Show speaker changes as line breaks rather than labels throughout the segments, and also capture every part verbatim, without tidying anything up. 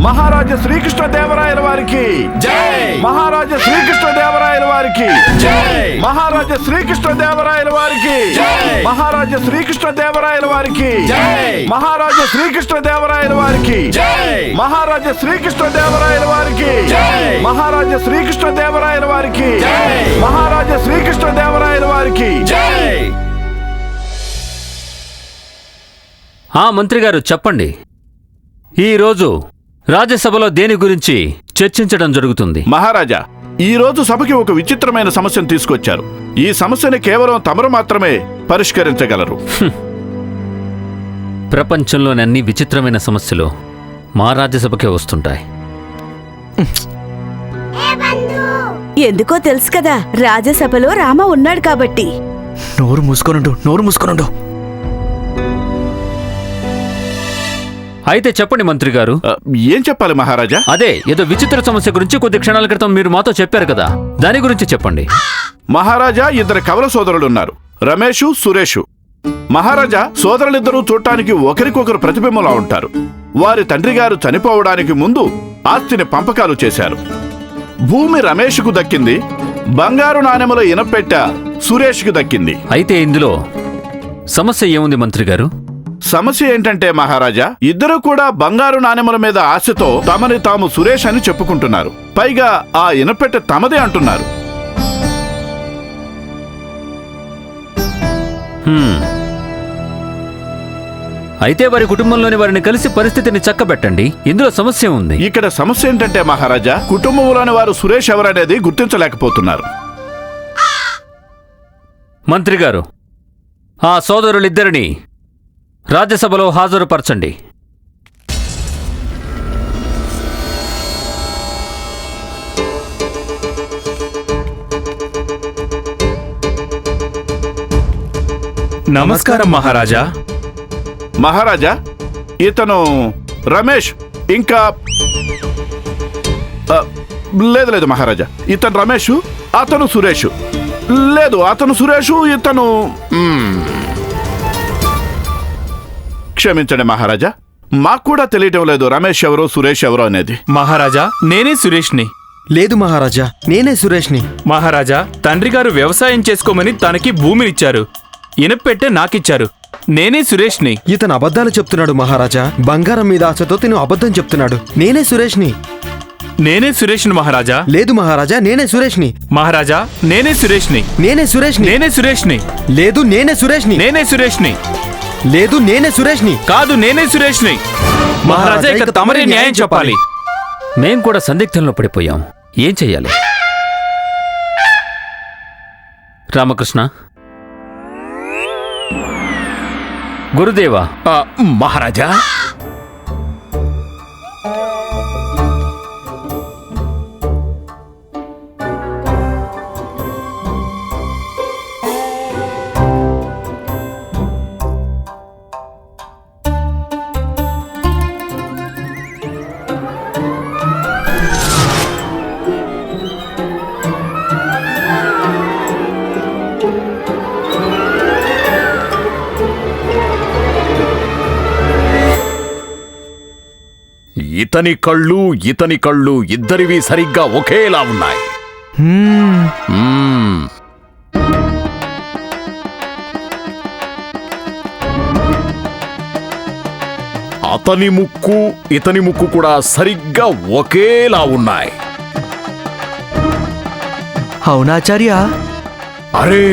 మహారాజా శ్రీకృష్ణదేవరాయల వారికి
జై!
మహారాజా శ్రీకృష్ణదేవరాయల వారికి
జై!
మహారాజా శ్రీకృష్ణదేవరాయల వారికి
జై!
మహారాజా శ్రీకృష్ణదేవరాయల వారికి
జై!
మహారాజా శ్రీకృష్ణదేవరాయల వారికి
జై!
మహారాజా శ్రీకృష్ణదేవరాయల వారికి
జై!
మహారాజా శ్రీకృష్ణదేవరాయల వారికి
జై!
మహారాజా శ్రీకృష్ణదేవరాయల వారికి
జై!
ఆ మంత్రి గారు చెప్పండి, ఈరోజు రాజ్యసభలో దేని గురించి చర్చించడం జరుగుతుంది?
మహారాజా, ఈ రోజు సభకి ఒక విచిత్రమైన సమస్యను తీసుకొచ్చారు. ఈ సమస్యని కేవలం తమరు మాత్రమే పరిష్కరించగలరు.
ప్రపంచంలోని అన్ని విచిత్రమైన సమస్యలు మా రాజ్యసభకే వస్తుంటాయి.
ఎందుకో తెలుసు కదా, రాజ్యసభలో రామ ఉన్నాడు కాబట్టి.
నోరు మూసుకొనుండు, నోరు మూసుకొనుండు.
అయితే చెప్పండి మంత్రి గారు.
ఆ, ఏం చెప్పాలి మహారాజా?
అదే ఏదో విచిత్ర సమస్య గురించి కొద్ది క్షణాల క్రితం మీరు మాతో చెప్పారు కదా, దాని గురించి చెప్పండి.
మహారాజా, ఇద్దరు కవల సోదరులున్నారు, రమేషు, సురేషు. మహారాజా, సోదరులిద్దరూ చూడటానికి ఒకరికొకరు ప్రతిబింబంలా ఉంటారు. వారి తండ్రి గారు చనిపోవడానికి ముందు ఆస్తిని పంపకాలు చేశారు. భూమి రమేష్కు దక్కింది, బంగారు నాణెముల ఇనపెట్ట సురేష్కు దక్కింది.
అయితే ఇందులో సమస్య ఏముంది మంత్రి గారు?
సమస్య ఏంటంటే మహారాజా, ఇద్దరు కూడా బంగారు నాణెముల మీద ఆశతో తమని తాము సురేష్ అని చెప్పుకుంటున్నారు. పైగా ఆ ఇనపెట్టె తమదే అంటున్నారు.
హ్మ్. అయితే వారి కుటుంబంలోని వారిని కలిసి పరిస్థితిని చక్కబెట్టండి. ఇందులో సమస్య ఉంది.
ఇక్కడ సమస్య ఏంటంటే మహారాజా, కుటుంబంలోని వారు సురేష్ ఎవరనేది గుర్తించలేకపోతున్నారు.
మంత్రి గారు, ఆ సోదరులిద్దరిని రాజ్యసభలో హాజరుపరచండి.
నమస్కారం మహారాజా.
మహారాజా, ఇతను రమేష్. ఇంకా ఆ, లేదు లేదు మహారాజా, ఇతను రమేష్, అతను సురేష్. లేదు, అతను సురేష్, ఇతను మ్మ్. క్షమించండి మహారాజా, మాకు కూడా తెలియటం లేదు రమేష్ ఎవరో సురేష్ ఎవరో అనేది.
మహారాజా, నేనే సురేష్ని.
లేదు మహారాజా, నేనే సురేష్ని.
మహారాజా, తండ్రి గారు వ్యవసాయం చేసుకోమని తనకి భూమినిచ్చారు, ఇనపెట్టె నాకిచ్చారు. నేనే సురేష్ని.
ఇతను అబద్ధాలు చెప్తున్నాడు మహారాజా. బంగారం మీద ఆశతో తిను అబద్ధం చెప్తున్నాడు. నేనే సురేష్ని.
నేనే సురేష్ని మహారాజా.
లేదు మహారాజా, నేనే సురేష్ని.
మహారాజా, నేనే సురేష్ని.
నేనే సురేష్ని.
నేనే సురేష్ని.
లేదు నేనే సురేష్ని.
నేనే సురేష్ని.
లేదు నేనే సురేష్ని.
కాదు, నేనే సురేష్ని. మహారాజా, ఇక తమరే న్యాయం చెప్పాలి.
మేం కూడా సందిగ్ధంలో పడిపోయాం. ఏం చెయ్యాలి? రామకృష్ణ, గురుదేవా.
ఆ, మహారాజా,
ఇతని కళ్ళు ఇతని కళ్ళు ఇద్దరివి సరిగ్గా ఒకేలా ఉన్నాయి. మ్మ్. అతని ముక్కు ఇతని ముక్కు కూడా సరిగ్గా ఒకేలా ఉన్నాయి.
అవునాచార్య.
అరే,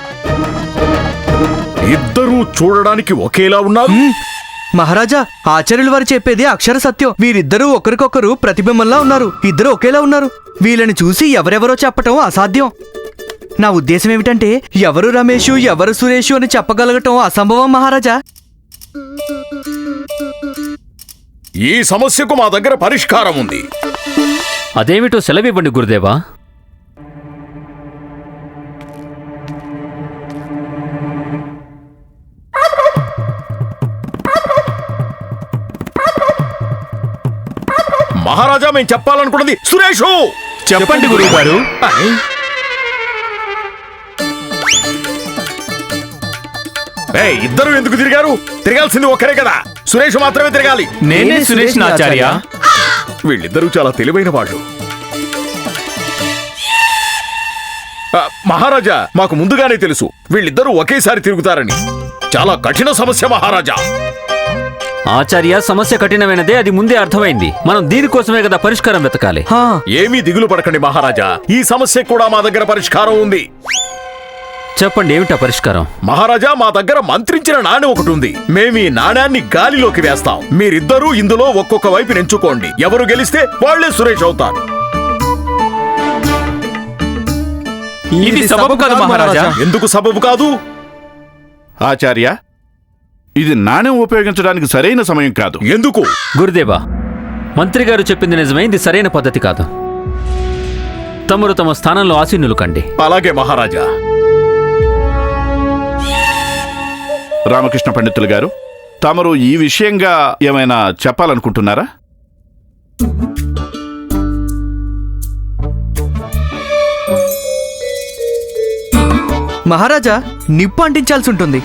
ఇద్దరూ చూడడానికి ఒకేలా ఉన్నారు.
మహారాజా, ఆచార్యుల వారు చెప్పేది అక్షర సత్యం. వీరిద్దరూ ఒకరికొకరు ప్రతిబింబంలా ఉన్నారు. ఇద్దరు ఒకేలా ఉన్నారు. వీళ్ళని చూసి ఎవరెవరో చెప్పటం అసాధ్యం. నా ఉద్దేశం ఏమిటంటే, ఎవరు రమేషు ఎవరు సురేషు అని చెప్పగలగటం అసంభవం మహారాజా.
ఈ సమస్యకు మా దగ్గర పరిష్కారం ఉంది.
అదేమిటో సెలవివ్వండి గురుదేవా.
మహారాజా, మేము చెప్పాలనుకున్నది సురేషు.
చెప్పండి గురువు గారు.
ఇద్దరు ఎందుకు తిరిగారు? తిరగాల్సింది ఒకరే కదా, సురేష్ మాత్రమే తిరగాలి.
నేనే సురేష్ ఆచార్య.
వీళ్ళిద్దరూ చాలా తెలివైన వాళ్ళు. ఆ, మహారాజా, మాకు ముందుగానే తెలుసు వీళ్ళిద్దరూ ఒకేసారి తిరుగుతారని. చాలా కఠిన సమస్య మహారాజా.
ఆచార్య, సమస్య కఠినమైనదే, అది ముందే అర్థమైంది. మనం దీనికోసమే కదా పరిష్కారం వెతకాలి.
హా,
ఏమీ దిగులు పడకండి మహారాజా, ఈ సమస్య కూడా మా దగ్గర పరిష్కారం ఉంది.
చెప్పండి, ఏమిటా పరిష్కారం?
మహారాజా, మా దగ్గర మంత్రించిన నాణెం ఒకటి ఉంది. మేము ఈ నాణ్యాన్ని గాలిలోకి వేస్తాం. మీరిద్దరూ ఇందులో ఒక్కొక్క వైపు ఎంచుకోండి. ఎవరు గెలిస్తే వాళ్లే సురేష్ అవుతారు.
ఇది సబబు కాదు మహారాజా.
ఎందుకు సబబు కాదు?
ఆచార్య, ఇది నాణ్యం ఉపయోగించడానికి సరైన సమయం కాదు.
ఎందుకు?
గురుదేవా, మంత్రి గారు చెప్పింది నిజమే, ఇది సరైన పద్ధతి కాదు. తమరు తమ స్థానంలో ఆసీనులు కండి.
అలాగే మహారాజా.
రామకృష్ణ పండితులు గారు, తమరు ఈ విషయంగా ఏమైనా చెప్పాలనుకుంటున్నారా?
మహారాజా, నిప్పు అంటించాల్సి ఉంటుంది.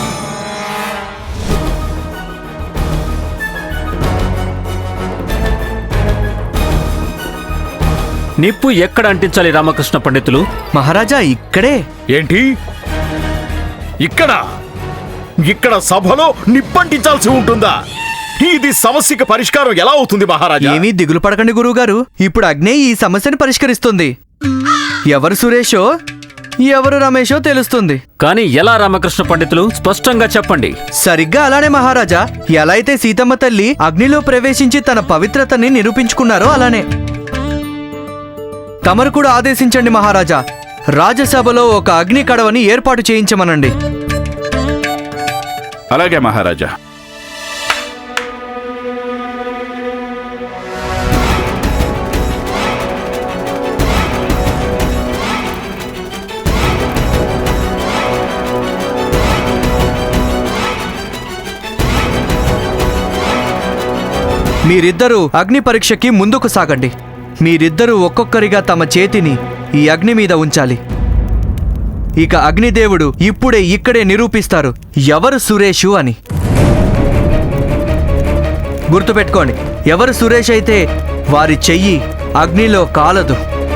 నిప్పు ఎక్కడ అంటించాలి రామకృష్ణ పండితులు?
మహారాజా, ఇక్కడే.
ఏంటి? ఇక్కడ ఇక్కడ సభలో నిప్పంటించాల్సి ఉంటుందా? ఇది సమస్యకి పరిష్కారం ఎలా అవుతుంది మహారాజా?
ఏమీ దిగులు పడకండి గురువుగారు, ఇప్పుడు అగ్నే ఈ సమస్యను పరిష్కరిస్తుంది. ఎవరు సురేషో ఎవరు రమేషో తెలుస్తుంది.
కానీ ఎలా రామకృష్ణ పండితులు? స్పష్టంగా చెప్పండి.
సరిగ్గా అలానే మహారాజా, ఎలా అయితే సీతమ్మ తల్లి అగ్నిలో ప్రవేశించి తన పవిత్రతని నిరూపించుకున్నారో అలానే. తమరు కూడా ఆదేశించండి మహారాజా, రాజసభలో ఒక అగ్ని కడవని ఏర్పాటు చేయించమనండి.
అలాగే మహారాజా.
మీరిద్దరూ అగ్ని పరీక్షకి ముందుకు సాగండి. మీరిద్దరూ ఒక్కొక్కరిగా తమ చేతిని ఈ అగ్ని మీద ఉంచాలి. ఇక అగ్నిదేవుడు ఇప్పుడే ఇక్కడే నిరూపిస్తారు ఎవరు సురేషు అని. గుర్తుపెట్టుకోండి, ఎవరు సురేష్ అయితే వారి చెయ్యి అగ్నిలో కాలదు.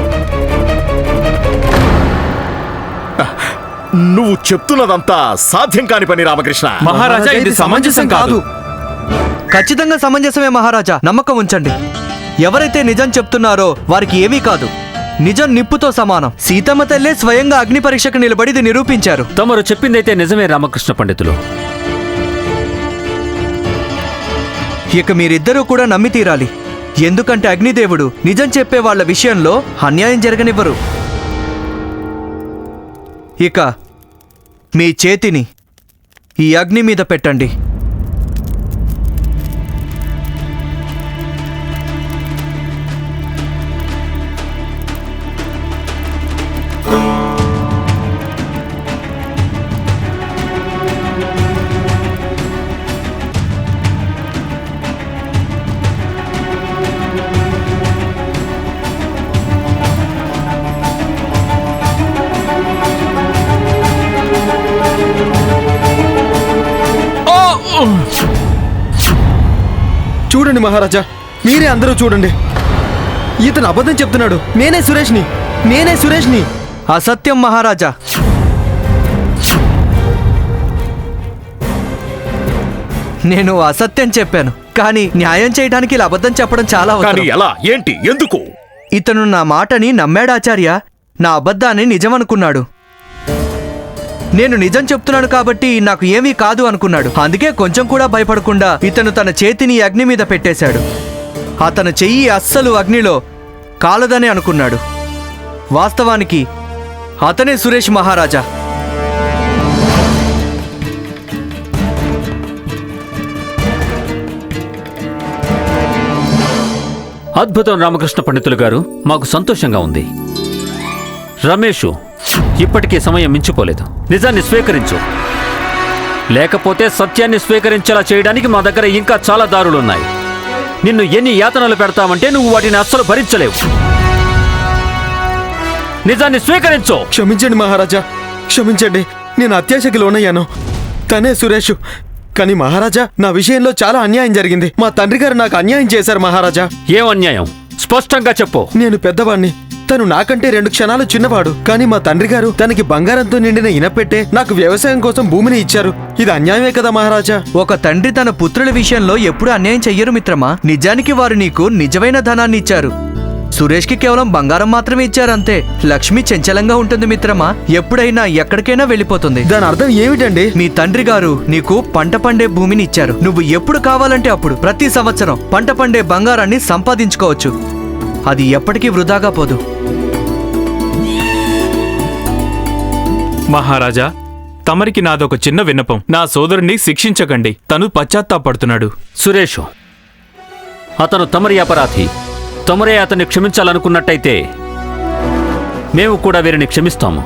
నువ్వు చెప్తున్నదంతా సాధ్యం కాని పని రామకృష్ణ.
మహారాజా, ఇది సమంజసం కాదు.
ఖచ్చితంగా సమంజసమే మహారాజా, నమ్మకం ఉంచండి. ఎవరైతే నిజం చెప్తున్నారో వారికి ఏమీ కాదు. నిజం నిప్పుతో సమానం. సీతమ్మ తల్లే స్వయంగా అగ్ని పరీక్షకు నిలబడి ఇది నిరూపించారు.
తమరు చెప్పిందైతే నిజమే రామకృష్ణ పండితులు.
ఇక మీరిద్దరూ కూడా నమ్మి తీరాలి. ఎందుకంటే అగ్నిదేవుడు నిజం చెప్పే వాళ్ళ విషయంలో అన్యాయం జరగనివ్వరు. ఇక మీ చేతిని ఈ అగ్ని మీద పెట్టండి.
చూడండి మహారాజా, మీరే అందరూ చూడండి. ఇతను అబద్ధం చెప్తున్నాడు. నేనే సురేష్ని, నేనే సురేష్ని.
అసత్యం మహారాజా. నేను అసత్యం చెప్పాను, కానీ న్యాయం చేయడానికి ఇలా అబద్ధం చెప్పడం చాలా
కానీ
అవసరం.
ఎలా? ఏంటి? ఎందుకు?
ఇతను నా మాటని నమ్మాడాచార్య, నా అబద్ధాన్ని నిజమనుకున్నాడు. నేను నిజం చెప్తున్నాను కాబట్టి నాకు ఏమీ కాదు అనుకున్నాడు. అందుకే కొంచెం కూడా భయపడకుండా ఇతను తన చేతిని అగ్ని మీద పెట్టేశాడు. అతను చెయ్యి అస్సలు అగ్నిలో కాలదని అనుకున్నాడు. వాస్తవానికి అతనే సురేష్ మహారాజా.
అద్భుతం రామకృష్ణ పండితులు గారు, మాకు సంతోషంగా ఉంది. రమేషు, ఇప్పటికీ సమయం మించిపోలేదు. నిజాన్ని స్వీకరించు, లేకపోతే సత్యాన్ని స్వీకరించేలా చేయడానికి మా దగ్గర ఇంకా చాలా దారులున్నాయి. నిన్ను ఎన్ని యాతనలు పెడతామంటే నువ్వు వాటిని అస్సలు భరించలేవు. నిజాన్ని స్వీకరించు.
క్షమించండి మహారాజా, క్షమించండి. నేను అత్యాశకి లోనయ్యాను. తనే సురేష్, కానీ మహారాజా నా విషయంలో చాలా అన్యాయం జరిగింది. మా తండ్రి గారు నాకు అన్యాయం చేశారు మహారాజా.
ఏం అన్యాయం? స్పష్టంగా చెప్పు.
నేను పెద్దవాణ్ణి, తను నాకంటే రెండు క్షణాలు చిన్నవాడు. కానీ మా తండ్రి గారు తనకి బంగారంతో నిండిన ఇనపెట్టే నాకు వ్యవసాయం కోసం భూమిని ఇచ్చారు. ఇది అన్యాయమే కదా మహారాజా?
ఒక తండ్రి తన పుత్రుల విషయంలో ఎప్పుడు అన్యాయం చెయ్యరు మిత్రమా. నిజానికి వారు నీకు నిజమైన ధనాన్ని ఇచ్చారు. సురేష్కి కేవలం బంగారం మాత్రమే ఇచ్చారంతే. లక్ష్మి చంచలంగా ఉంటుంది మిత్రమా, ఎప్పుడైనా ఎక్కడికైనా వెళ్ళిపోతుంది.
దాని అర్థం ఏమిటండి?
మీ తండ్రి గారు నీకు పంట పండే భూమిని ఇచ్చారు. నువ్వు ఎప్పుడు కావాలంటే అప్పుడు ప్రతి సంవత్సరం పంట పండే బంగారాన్ని సంపాదించుకోవచ్చు. అది ఎప్పటికీ వృధాగా పోదు.
మహారాజా, తమరికి నాదొక చిన్న విన్నపం. నా సోదరుణ్ణి శిక్షించకండి, తను పశ్చాత్తాపడుతున్నాడు.
సురేషు, అతను తమరి అపరాధి. తమరే అతన్ని క్షమించాలనుకున్నట్టయితే మేము కూడా వీరిని క్షమిస్తాము.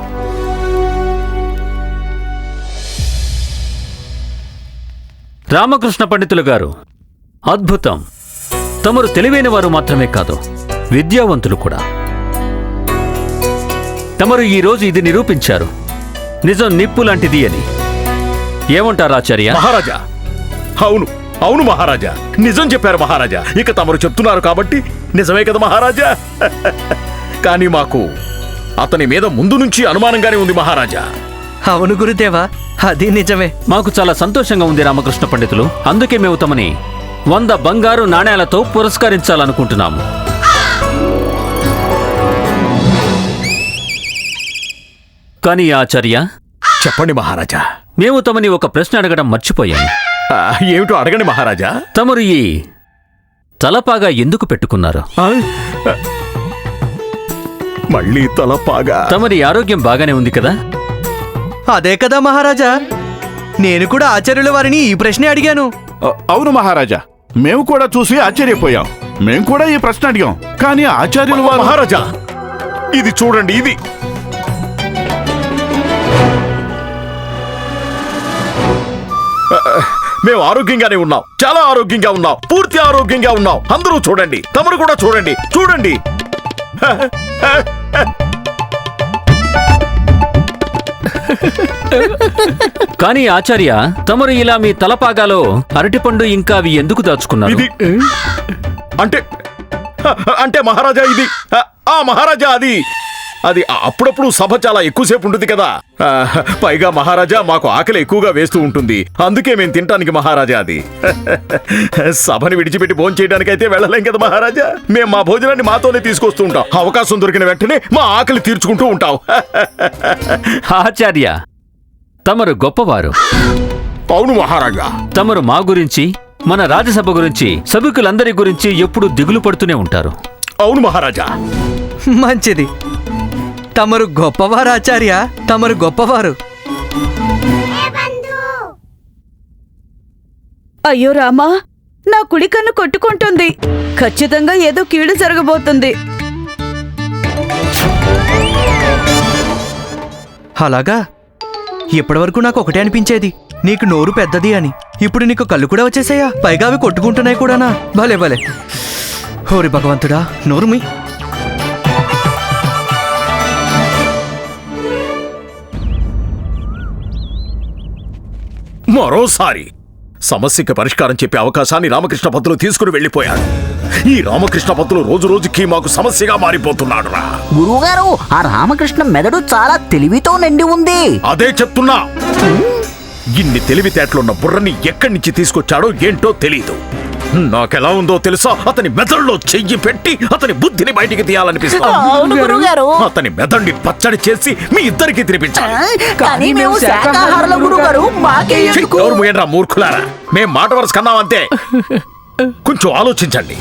రామకృష్ణ పండితులు గారు, అద్భుతం. తమరు తెలివైన వారు మాత్రమే కాదు, విద్యావంతులు కూడా. తమరు ఈరోజు ఇది నిరూపించారు, నిజం నిప్పు లాంటిది అని. ఏమంటారు ఆచార్య?
మహారాజా, అవును అవును మహారాజా, నిజం చెప్పారు మహారాజా. ఇక తమరు చెప్తున్నారు కాబట్టి నిజమే కదా మహారాజా. కానీ మాకు అతని మీద ముందు నుంచి అనుమానంగానే ఉంది మహారాజా.
అవును గురుదేవా, అది నిజమే.
మాకు చాలా సంతోషంగా ఉంది రామకృష్ణ పండితులు. అందుకే మేము తమని వంద బంగారు నాణేలతో పురస్కరించాలనుకుంటున్నాము. కానీ ఆచార్య,
చెప్పండి మహారాజా.
మేము తమని ఒక ప్రశ్న అడగడం మర్చిపోయాము.
ఆ, ఏమిటో అడగండి మహారాజా.
తమరు ఈ తలపాగా ఎందుకు పెట్టుకున్నారు?
ఆ? మళ్ళీ తలపాగా?
తమరి ఆరోగ్యం బాగానే ఉంది కదా?
అదే కదా మహారాజా, నేను కూడా ఆచార్యుల వారిని ఈ ప్రశ్నే అడిగాను.
అ- అవును మహారాజా, మేము కూడా చూసి ఆశ్చర్యపోయాం. మేము కూడా ఈ ప్రశ్న అడిగాం, కానీ ఆచార్యులు వారు
మహారాజా, ఇది చూడండి, ఇది మేము ఆరోగ్యంగానే ఉన్నాం, చాలా ఆరోగ్యంగా ఉన్నాం, పూర్తి ఆరోగ్యంగా ఉన్నాం. అందరూ చూడండి, తమరు కూడా చూడండి, చూడండి.
కానీ ఆచార్య, తమరు ఇలా మీ తలపాగాలో అరటిపండు ఇంకా అవి ఎందుకు దాచుకున్నారు?
ఇది అంటే అంటే మహారాజా, ఇది ఆ మహారాజా, అది అది అప్పుడప్పుడు సభ చాలా ఎక్కువసేపు ఉంటుంది కదా. ఆ, పైగా మహారాజా మాకు ఆకలి ఎక్కువగా వేస్తూ ఉంటుంది, అందుకే మేము తినటానికి మహారాజా. అది సభని విడిచిపెట్టి భోజనం చేయడానికి అయితే వెళ్ళలేం కదా మహారాజా. మేము మా భోజనాన్ని మాతోనే తీసుకొస్తూ ఉంటాం. అవకాశం దొరికిన వెంటనే మా ఆకలి తీర్చుకుంటూ ఉంటాం.
ఆచార్య, తమరు గొప్పవారు.
అవును మహారాజా.
తమరు మా గురించి, మన రాజ్యసభ గురించి, సభికులందరి గురించి ఎప్పుడూ దిగులు పడుతూనే ఉంటారు.
అవును మహారాజా.
మంచిది, తమరు గొప్పవారు ఆచార్య, తమరు గొప్పవారు.
అయ్యో రామా, నా కుడి కన్ను కొట్టుకుంటుంది. ఖచ్చితంగా ఏదో కీడు జరగబోతుంది.
అలాగా? ఇప్పటివరకు నాకు ఒకటే అనిపించేది, నీకు నోరు పెద్దది అని. ఇప్పుడు నీకు కళ్ళు కూడా వచ్చేసాయా? పైగా అవి కొట్టుకుంటున్నాయి కూడానా? భలే భలే. హోరి భగవంతుడా, నోరుమి.
మరోసారి సమస్యకి పరిష్కారం చెప్పే అవకాశాన్ని రామకృష్ణ పంతులు తీసుకుని వెళ్ళిపోయాడు. ఈ రామకృష్ణ పంతులు రోజు రోజుకి మాకు సమస్యగా మారిపోతున్నాడు రా.
గురువుగారు, ఆ రామకృష్ణ మెదడు చాలా తెలివితో నిండి ఉంది.
అదే చెప్తున్నా, ఇన్ని తెలివితేటలున్న బుర్రని ఎక్కడి నుంచి తీసుకొచ్చాడో ఏంటో తెలీదు. నాకెలా ఉందో తెలుసా? అతని మెదడులో చెయ్యి పెట్టి అతని బుద్ధిని బయటికి తీయాలనిపిస్తుంది.
అవును గురువుగారు.
అతని మెదడుని పచ్చడి చేసి మీ ఇద్దరికి తినిపించాలి.
కానీ మేము శాకాహారుల గురువుగారు, మాకే ఎందుకు?
ఎవరు మూయండ్రా మూర్ఖులారా, మేం మాట వరుస కన్నామంతే. కొంచెం ఆలోచించండి.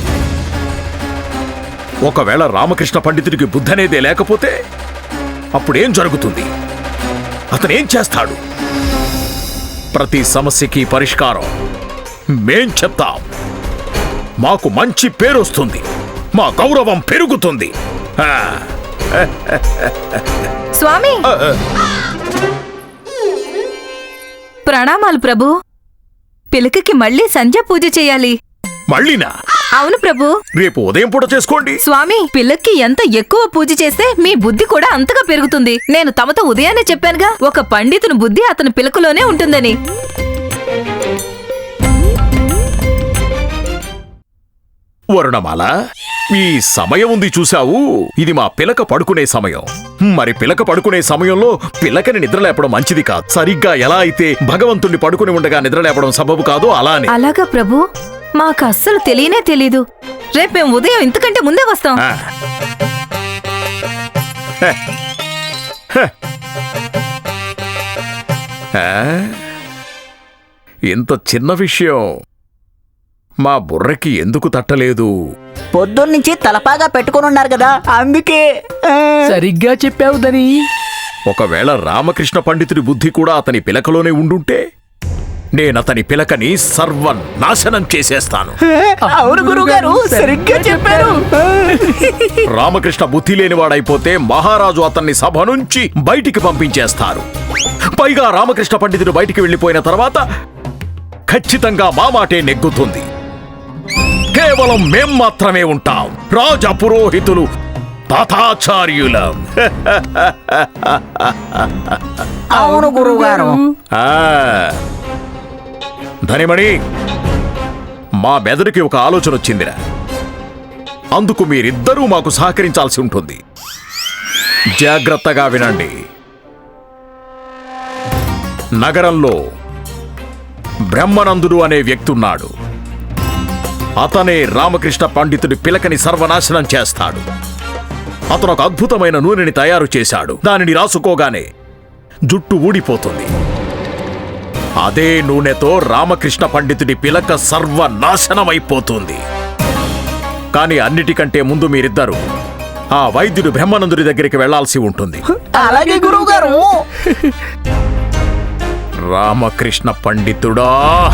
ఒకవేళ రామకృష్ణ పండితుడికి బుద్ధి అనేదే లేకపోతే అప్పుడేం జరుగుతుంది? అతనేం చేస్తాడు? ప్రతి సమస్యకి పరిష్కారం మేం చెప్తాం. మాకు మంచి పేరు వస్తుంది, మా గౌరవం పెరుగుతుంది. ఆ,
స్వామి, ప్రణామాలు ప్రభు. పిలకకి మళ్ళీ సంధ్య పూజ చేయాలి.
మళ్ళీనా?
అవును ప్రభు.
రేపు ఉదయం పూట చేసుకోండి.
స్వామి, పిల్లకి ఎంత ఎక్కువ పూజ చేస్తే మీ బుద్ధి కూడా అంతగా పెరుగుతుంది. నేను తమతో ఉదయాన్నే చెప్పానుగా, ఒక పండితుని బుద్ధి అతని పిలకలోనే ఉంటుందని.
వరుణమాల, ఈ సమయం ఉంది చూశావు, ఇది మా పిలక పడుకునే సమయం. మరి పిలక పడుకునే సమయంలో పిలకని నిద్రలేపడం మంచిది కాదు. సరిగ్గా ఎలా అయితే భగవంతుణ్ణి పడుకుని ఉండగా నిద్రలేపడం సబబు కాదో అలానే.
అలాగా ప్రభు, మాకు అస్సలు తెలియనే తెలీదు. రేపు మేము ఉదయం ఇంతకంటే ముందే వస్తాం.
ఆ. హ. హ. ఆ? ఇంత చిన్న విషయం మా బుర్రకి ఎందుకు తట్టలేదు?
పొద్దున్నుంచి తలపాగా పెట్టుకుని ఉన్నారు కదా, అందుకే.
సరిగ్గా చెప్పావు దని.
ఒకవేళ రామకృష్ణ పండితుడి బుద్ధి కూడా అతని పిలకలోనే ఉండుంటే నేనతని పిలకని సర్వనాశనం చేసేస్తాను.
అవును గురుగారు, సరిగ్గా చెప్పారు.
రామకృష్ణ బుద్ధి లేనివాడైపోతే మహారాజు అతన్ని సభ నుంచి బయటికి పంపించేస్తారు. పైగా రామకృష్ణ పండితుడు బయటికి వెళ్ళిపోయిన తర్వాత ఖచ్చితంగా మా మాటే నెగ్గుతుంది. కేవలం మేం మాత్రమే ఉంటాం, రాజ పురోహితులు తాతాచార్యులం.
అవును గురుగారు.
ఆ, ధనిమణి, మా మెదడుకి ఒక ఆలోచన వచ్చిందిరా. అందుకు మీరిద్దరూ మాకు సహకరించాల్సి ఉంటుంది. జాగ్రత్తగా వినండి. నగరంలో బ్రహ్మనందుడు అనే వ్యక్తి ఉన్నాడు. అతనే రామకృష్ణ పండితుడి పిలకని సర్వనాశనం చేస్తాడు. అతను ఒక అద్భుతమైన నూనెని తయారు చేశాడు. దానిని రాసుకోగానే జుట్టు ఊడిపోతుంది. అదే నూనెతో రామకృష్ణ పండితుడి పిలక సర్వనాశనమైపోతుంది. కానీ అన్నిటికంటే ముందు మీరిద్దరూ ఆ వైద్యుడు బ్రహ్మానందుడి దగ్గరికి వెళ్లాల్సి ఉంటుంది.
అలాగే గురువుగారు.
రామకృష్ణ పండితుడా,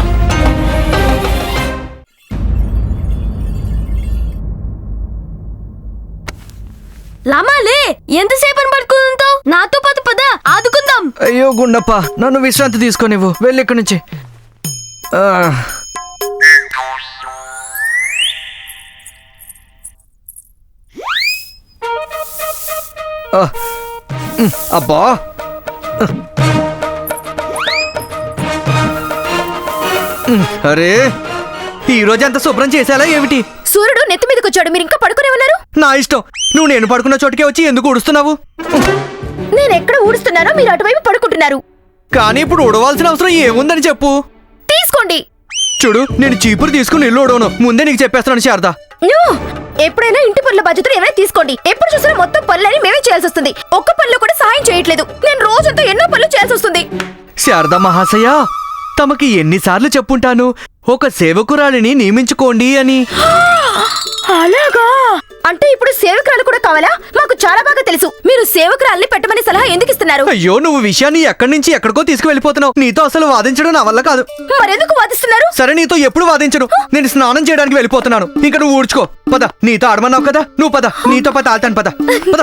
లామాలే, ఎంతసేపు పడుకుంటావు? నాతో పాటు పద, ఆదుకుందాం.
అయ్యో గుండప్ప, నన్ను విశ్రాంతి తీసుకొనివ్వు. వెళ్ళి ఇక్కడి నుంచి. ఆ. ఆ. ఉమ్, అబ్బా. ఉమ్, అరే, ఈ రోజు అంత శుభ్రం చేసేలా ఏమిటి?
సూర్యుడు నెత్తి మీదకి వచ్చాడు, మీరు ఇంకా పడుకునే ఉన్నారు.
నా ఇష్టం. నువ్వు నేను పడుకున్న చోటుకే వచ్చి ఎందుకు ఉడుస్తున్నావు?
నేను ఎక్కడ ఊడుస్తున్నానో మీరు అటువైపు పడుకుంటున్నారు.
కానీ ఇప్పుడు ఉడవాల్సిన అవసరం ఏముందని చెప్పు.
తీసుకోండి.
చూడు, నేను చీపురు తీసుకుని ఇల్లు ఉడవను. ముందే నీకు చెప్పేస్తున్నాను శారదా.
నో! ఎప్పుడైనా ఇంటి పనుల బాధ్యతలు ఏమైనా తీసుకోండి. ఎప్పుడు చూసినా మొత్తం పనులని మేమే చేయాల్సి వస్తుంది. ఒక్క పనిలో కూడా సాయం చేయట్లేదు. నేను రోజంతా ఎన్నో పనులు చేయాల్సి వస్తుంది.
శారదా మహాశయ, తమకి ఎన్నిసార్లు చెప్పుంటాను ఒక సేవకురాలిని నియమించుకోండి అని.
అలాగా? అంటే ఇప్పుడు సేవకురాలు కూడా కావాలా? మాకు చాలా బాగా తెలుసు. మీరు సేవకురాల్ని పెట్టమని సలహా ఎందుకు ఇస్తున్నారు?
అయ్యో, నువ్వు విషయాన్ని ఎక్కడి నుంచి ఎక్కడికో తీసుకువెళ్ళిపోతున్నావు. నీతో అసలు వాదించడం నా వల్ల కాదు.
మరెందుకు వాదిస్తున్నారు?
సరే, నీతో ఎప్పుడు వాదించను. నేను స్నానం చేయడానికి వెళ్ళిపోతున్నాను. ఇంకా నువ్వు ఊడ్చుకో. పద, నీతో ఆడమన్నావు కదా, నువ్వు పద. నీతో పద ఆల్తాను. పద పద.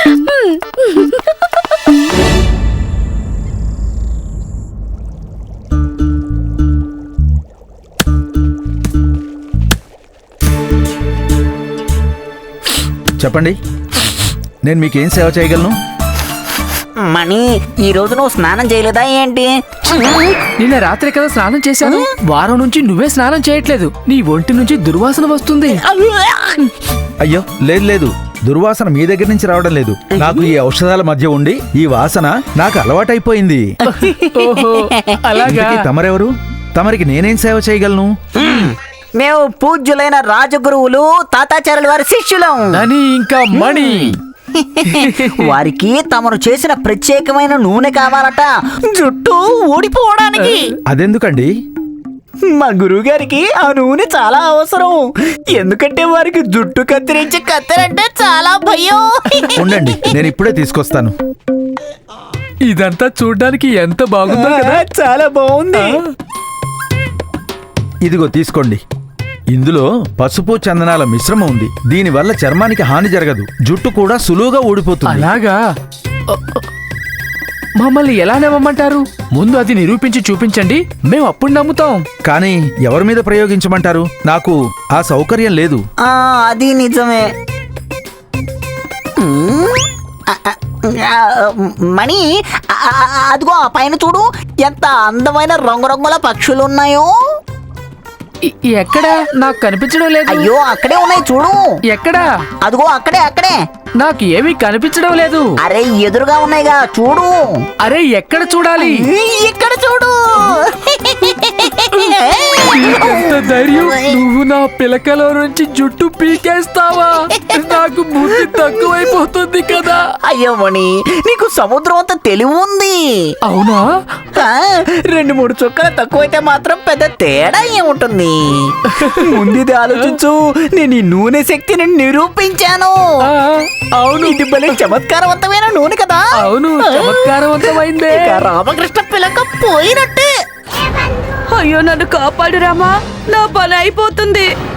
చెప్పండి, నేను మీకేం సేవ చేయగలను?
మణి, ఈ రోజు నువ్వు స్నానం చేయలేదా ఏంటి?
నిన్న రాత్రి కదా స్నానం చేశాను. వారం నుంచి నువ్వే స్నానం చేయట్లేదు. నీ ఒంటి నుంచి దుర్వాసన వస్తుంది.
అయ్యో, లేదు లేదు, దుర్వాసన మీ దగ్గర నుంచి రావడం లేదు. నాకు ఈ ఔషధాల మధ్య ఉండి ఈ వాసన నాకు అలవాటైపోయింది.
ఓహో, అలాగా?
ఇంతకీ తమరెవరు? తమరికి నేనేం సేవ చేయగలను?
మేము పూజ్యులైన రాజగురువులు తాతాచార్యుల వారి శిష్యులం.
అని ఇంకా మణి.
వారికి తమను చేసిన ప్రత్యేకమైన నూనె కావాలట, జుట్టు ఊడిపోవడానికి.
అదెందుకండి?
మా గురువు గారికి ఆ నూనె చాలా అవసరం. ఎందుకంటే వారికి జుట్టు కత్తిరించే కత్తెరంటే చాలా భయం.
ఉండండి, నేను ఇప్పుడే తీసుకొస్తాను.
ఇదంతా చూడ్డానికి ఎంత బాగుందో కదా.
చాలా బాగుంది.
ఇదిగో తీసుకోండి. ఇందులో పసుపు చందనాల మిశ్రమం ఉంది. దీనివల్ల చర్మానికి హాని జరగదు, జుట్టు కూడా సులువుగా ఊడిపోతుంది.
అలాగా? మమ్మల్ని ఎలా నమ్మమంటారు? ముందు అది నిరూపించి చూపించండి, మేము అప్పుడు నమ్ముతాం.
కానీ ఎవరి మీద ప్రయోగించమంటారు? నాకు ఆ సౌకర్యం లేదు.
ఆ, అది నిజమే. మణి, అదిగో ఆ పైన చూడు, ఎంత అందమైన రంగురంగుల పక్షులు ఉన్నాయో.
ఇ- ఎక్కడా నాకు కనిపించడం లేదు.
అయ్యో అక్కడే ఉన్నాయి చూడు.
ఎక్కడా?
అదిగో అక్కడే అక్కడే.
నాకు ఏమీ కనిపించడం లేదు.
అరే ఎదురుగా ఉన్నాయిగా చూడు.
అరే ఎక్కడ చూడాలి?
ఇక్కడ చూడు.
ఎంత ధైర్యం! నువ్వు నా పిలకలో నుంచి జుట్టు పీకేస్తావా? నాకు బుద్ధి తక్కువైపోతుంది కదా.
అయ్యో మణి, నీకు సముద్రం అంత తెలివి ఉంది.
అవునా?
ఆ, రెండు మూడు చుక్కలు తక్కువైతే మాత్రం పెద్ద తేడా ఏముంటుంది? ముందుది ఆలోచించు. నేను ఈ నూనె శక్తిని నిరూపించాను.
ఆ, అవును.
ఇది భలే చమత్కారవంతమైన నూనె కదా.
అవును, చమత్కారవంతమైందే.
ఇక రామకృష్ణ పిలక పోయినట్టే.
అయ్యో నన్ను కాపాడు రామా, నా పని అయిపోతుంది.